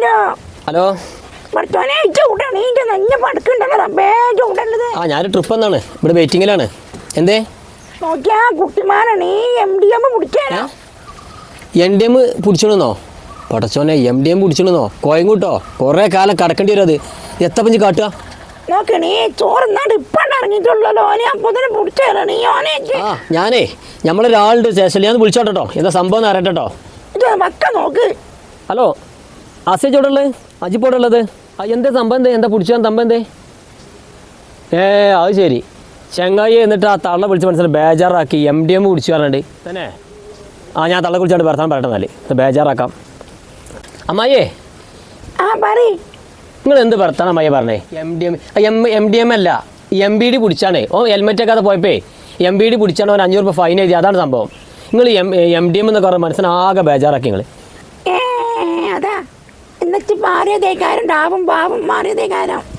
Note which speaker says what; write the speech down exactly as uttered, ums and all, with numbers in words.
Speaker 1: Hello ആ ഞാൻ trip എന്നാണ് ഇവിടെ വെയിറ്റിങ്ങിലാണ്. എന്തേ എൻ ഡി എം പിടിച്ചോണെന്നോ? പടച്ചോനെ എം ഡി എം പിടിച്ചോണെന്നോ? കോയങ്ങൂട്ടോ കുറേ കാലം കടക്കേണ്ടി വരും. അത് എത്തപ്പഞ്ച് കാട്ടുക ആ ഞാനേ നമ്മളൊരാളുണ്ട് സ്റ്റേഷനിൽ ഞാൻ വിളിച്ചോട്ടോ. എന്താ സംഭവം അറിയട്ടോ. ഹലോ അസേജ് എവിടെ ഉള്ളത്? അജിപ്പ് എവിടെ ഉള്ളത്? ആ എന്താ സംഭവം? എന്തേ എന്താ പിടിച്ചാൽ സംഭവം എന്തേ? ഏ അത് ശരി ചെങ്ങായി. എന്നിട്ട് ആ തള്ള വിളിച്ച് മനസ്സിലായി ബേജാറാക്കി എം ഡി എം പിടിച്ചു പറഞ്ഞിട്ട് തന്നെ. ആ ഞാൻ തള്ള കുളിച്ചാണ്ട് വർത്താൻ പറയട്ടെ. എന്നാൽ ബേജാറാക്കാം. അമ്മായിയേ നിങ്ങൾ എന്ത് വർത്താനം അമ്മായി പറഞ്ഞേ? M D M M M D M അല്ല എം ബി ഡി പിടിച്ചാണേ. ഓ ഹെൽമെറ്റ് ഒക്കെ പോയപ്പേ എം ബി ഡി പിടിച്ചാണ് അവൻ അഞ്ഞൂറ് രൂപ ഫൈൻ എഴുതി. അതാണ് സംഭവം. നിങ്ങൾ എം എം ഡി എം എന്നൊക്കെ പറഞ്ഞ മനസ്സിനാകെ ബേജാറാക്കി നിങ്ങൾ.
Speaker 2: അതാ എന്നിട്ട് മാറിയതേക്കാരം ഡാവും ബാവും മാറിയതേക്കാരം